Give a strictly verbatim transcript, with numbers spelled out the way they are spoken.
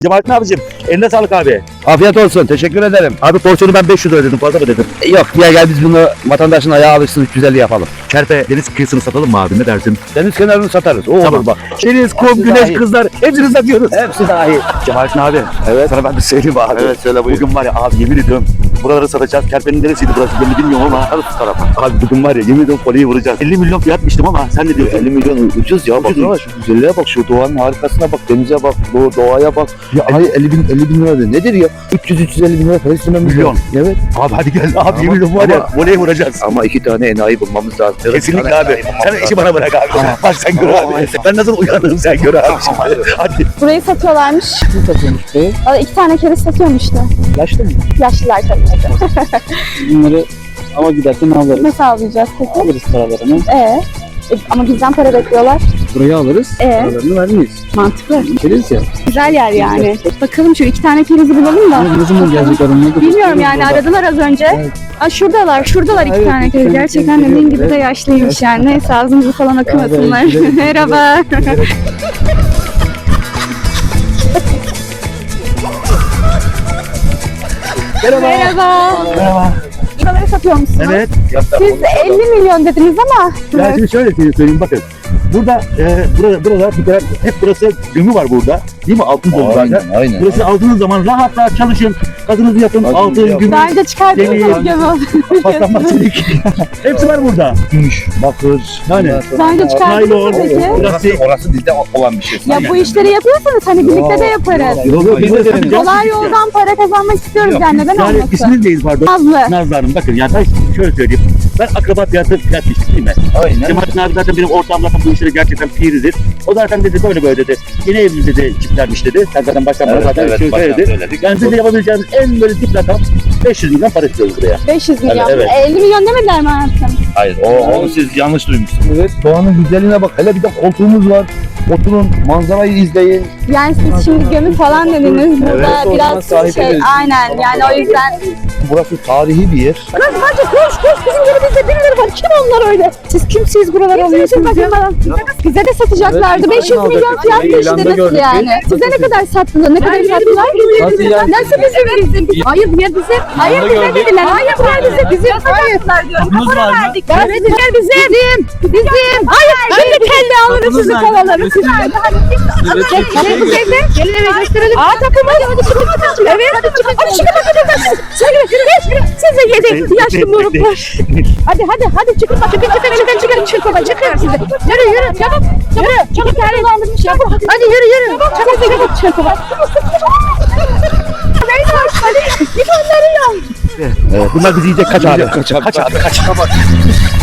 Cemalettin abicim eline sağlık abi. Afiyet olsun. Teşekkür ederim. Abi porsiyonu ben beş yüz ödedim, fazla mı dedim? Yok diye gel biz bunu vatandaşın ayağı alışsın üç yüz elli yapalım. Kerpe deniz kıyısını satalım mı abi, ne dersin? Deniz kenarını satarız. O Tamam. olur bak. Deniz, kum, Hepsi güneş, dahil. kızlar hepsini satıyoruz. Hepsi dahi. Cemalettin abi, Evet. sana ben de söyleyeyim abi. Evet, söyle buyur. Bugün var ya abi, yemin ediyorum buraları satacağız. Kerpe'nin neresiydi burası ben de bilmiyorum ama. Şu tarafa. Abi bugün var ya, yemin ediyorum koleyi vuracağız. elli milyon fiyat biçtim ama sen ne diyorsun? elli milyon ucuz ya. Ucuz Baksana mu? şu güzelliğe bak. Şu doğanın harikasına bak. Denize bak. Doğ, doğaya bak. Ya elli ay elli bin elli bin lira de. Nedir ya? üç yüz üç yüz elli bin lira para istemem. Milyon. Evet. Abi hadi gel abi, Ama- yemin ediyorum var ya ama- voleyi vuracağız. Ama iki tane enayi bulmamız lazım. Kesinlikle abi. Sen işi bana bırak abi. Bak sen gör abi. Ben nasıl uyanırım sen gör abi. Şimdi. Hadi. Burayı satıyorlarmış. Kim satıyormuş burayı? Valla iki tane kere satıyormuş işte. Yaşlı mı? Yaşlılar tabii ki. Bunları ama giderken alırız. Nasıl alacağız peki? Alırız paralarını. Ee, e, ama bizden para bekliyorlar. Burayı alırız. Ee? Paralarını vermeyiz. Mantıklı. Keriz ya. Güzel yer yani. Bakalım şu iki tane kerizi bulalım da. Ama ne zaman gelecekler onlar? Bilmiyorum yani, aradılar az önce. Evet. Aa, şuradalar, şuradalar iki Evet, tane iki keriz. tane Gerçekten keriz dediğin geliyor. gibi de yaşlıymış yani. Neyse ağzımızı falan akımasınlar. Evet, gidelim, Merhaba. Merhaba. Merhaba. Merhaba. Buraları satıyor musunuz? Evet. Siz elli milyon dediniz ama. Ya şimdi şöyle söyleyeyim bakın. Burada e, burada burada bir kere hep burası gömü var burada. Değil mi? Altın dolu zaten. Aynen aynen. Burası aldığınız zaman rahat rahat çalışın. Gazınızı yakın. Gazınızı Altın, yakın. gümüş, Bence çıkardınız Demir, mı gömü? paslanmaz çelik. Hepsi var burada. Gümüş, bakır. Yani. ondan sonra- Daha önce çıkardınız mı Naylon, peki? Orası, orası bizde olan bir şey. Ya bu işleri yapıyorsanız hani birlikte de yaparız. Yok yok biz de deneyeceğiz. Kolay yoldan para kazanmak istiyoruz yani, neden Yani olmasın? isminiz neyiz pardon? Nazlı. Nazlı Hanım, bakın yani ben şöyle söyleyeyim. Ben akraba fiyatı fiyat biçtik değil mi? Aynen. Cemalettin abi zaten benim ortağım, zaten bu işleri gerçekten piridir. O zaten dedi böyle böyle dedi. Yeni evli dedi çiftlermiş dedi. Sen zaten baştan bana Evet, zaten evet, şöyle baştan söyledi. söyledik. Yani size yapabileceğimiz en böyle dip rakam beş yüz milyon para istiyoruz buraya. beş yüz milyon. Evet, elli milyon demediler mi hayatım? Hayır, o, onu siz yanlış duymuşsunuz. Evet, doğanın güzelliğine bak. Hele bir de koltuğumuz var. Oturun, manzarayı izleyin. Yani siz şimdi gömü falan dediniz. Burada Evet, o zaman biraz sahip şey, ederiz. aynen yani o yüzden. Burası tarihi bir yer. Kız bence koş koş, bizim yerimizde birileri var. Kim onlar öyle? Siz kimsiniz, buraları alıyorsunuz ya? Bize de satacaklardı. Evet, beş yüz aynen milyon alacaklar. fiyat İlanda geçti nasıl gördük. yani? Size ne kadar sattılar? Ne kadar sattılar? Nasıl yani? Nasıl bizim? bizim? Hayır ya bize. Hayır bize dediler. Hayır bunlar bize. Bizim satacaklar diyorum. Para verdik. Evet bunlar bizim. Bizim. Bizim. Hayır. Şimdi kelle alırız sizi kovalarız. Siz nerede? Hadi çıkın. Gelin evde. Gelin eve gösterelim. Aa takımız. Hadi çıkın bakalım. Evet. Hadi çıkın. Hadi çıkın bakalım. Çıkın. Size yedik. Yaşlı moruklar. Hadi hadi hadi çıkın bak. Çıkın çıkın çıkın çıkın çıkın baba çıkın size. Yürü yürü çabuk. Yürü. Çabuk tane dolandırmış ya. Hadi yürü yürü. Çabuk çabuk çabuk. Neyse hadi. Bir onları yok. Evet, bunlar bizi yiyecek, kaç abi. Kaç abi. Kaç abi kaç.